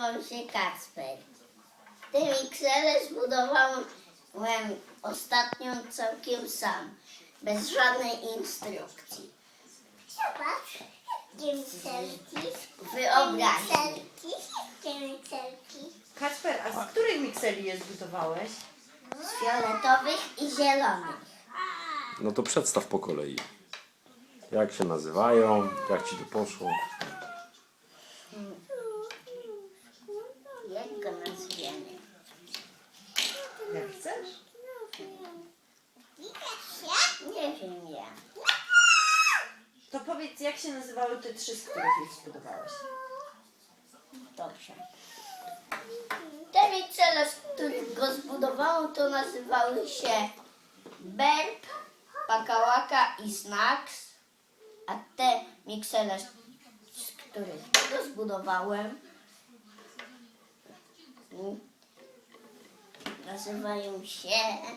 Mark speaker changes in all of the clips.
Speaker 1: nazywam się Kacper. Te miksele zbudowałem ostatnio całkiem sam, bez żadnej instrukcji.
Speaker 2: Zobacz, gdzie mikserki?
Speaker 1: Wyobraźni.
Speaker 2: Gdzie mikserki?
Speaker 3: Kacper, a z których mikseli je zbudowałeś?
Speaker 1: Z fioletowych i zielonych.
Speaker 4: No to przedstaw po kolei. Jak się nazywają, jak ci to poszło.
Speaker 1: Jak go nazwiemy?
Speaker 3: Jak chcesz?
Speaker 1: Nie wiem ja.
Speaker 3: To powiedz, jak się nazywały te trzy, z których je zbudowałeś?
Speaker 1: Dobrze. Te miksele, z których go zbudowałem, to nazywały się Berb, Pakałaka i Snacks. A te miksele, z których go zbudowałem, nazywają się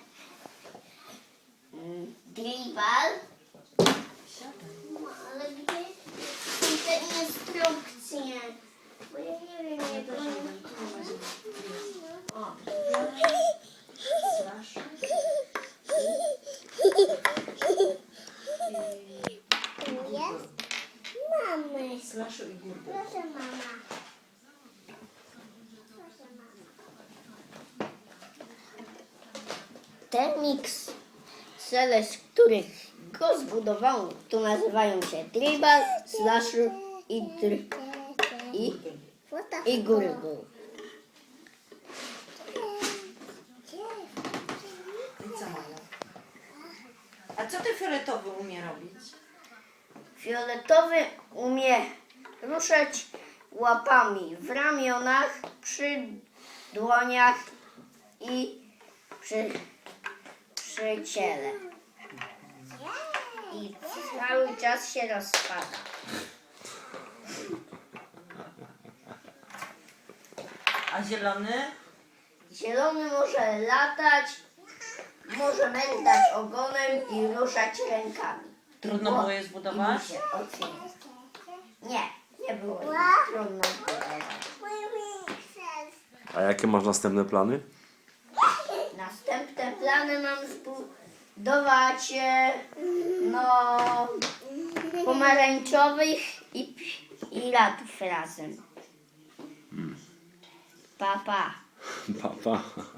Speaker 1: Drival. Ale gdzie są te instrukcje? Bo ja nie wiem, jak to się o.
Speaker 2: Jest? Mamy.
Speaker 3: Slashu i gurdy.
Speaker 2: Proszę mama.
Speaker 1: Te miksele, z których go zbudowałem, to nazywają się Tribal, Slasher i Gurgle.
Speaker 3: I co mają? A co ten fioletowy umie robić?
Speaker 1: Fioletowy umie ruszać łapami w ramionach, przy dłoniach i przy ciele. I cały czas się rozpada.
Speaker 3: A zielony?
Speaker 1: Zielony może latać, może mętać ogonem i ruszać rękami.
Speaker 3: Trudno było je zbudować?
Speaker 1: I mu się otwiera. Nie było trudno zbudować.
Speaker 2: Mój mikser.
Speaker 4: A jakie masz następne plany?
Speaker 1: Następne plany mam zbudować pomarańczowych i ratów razem. Pa, pa.
Speaker 4: Papa.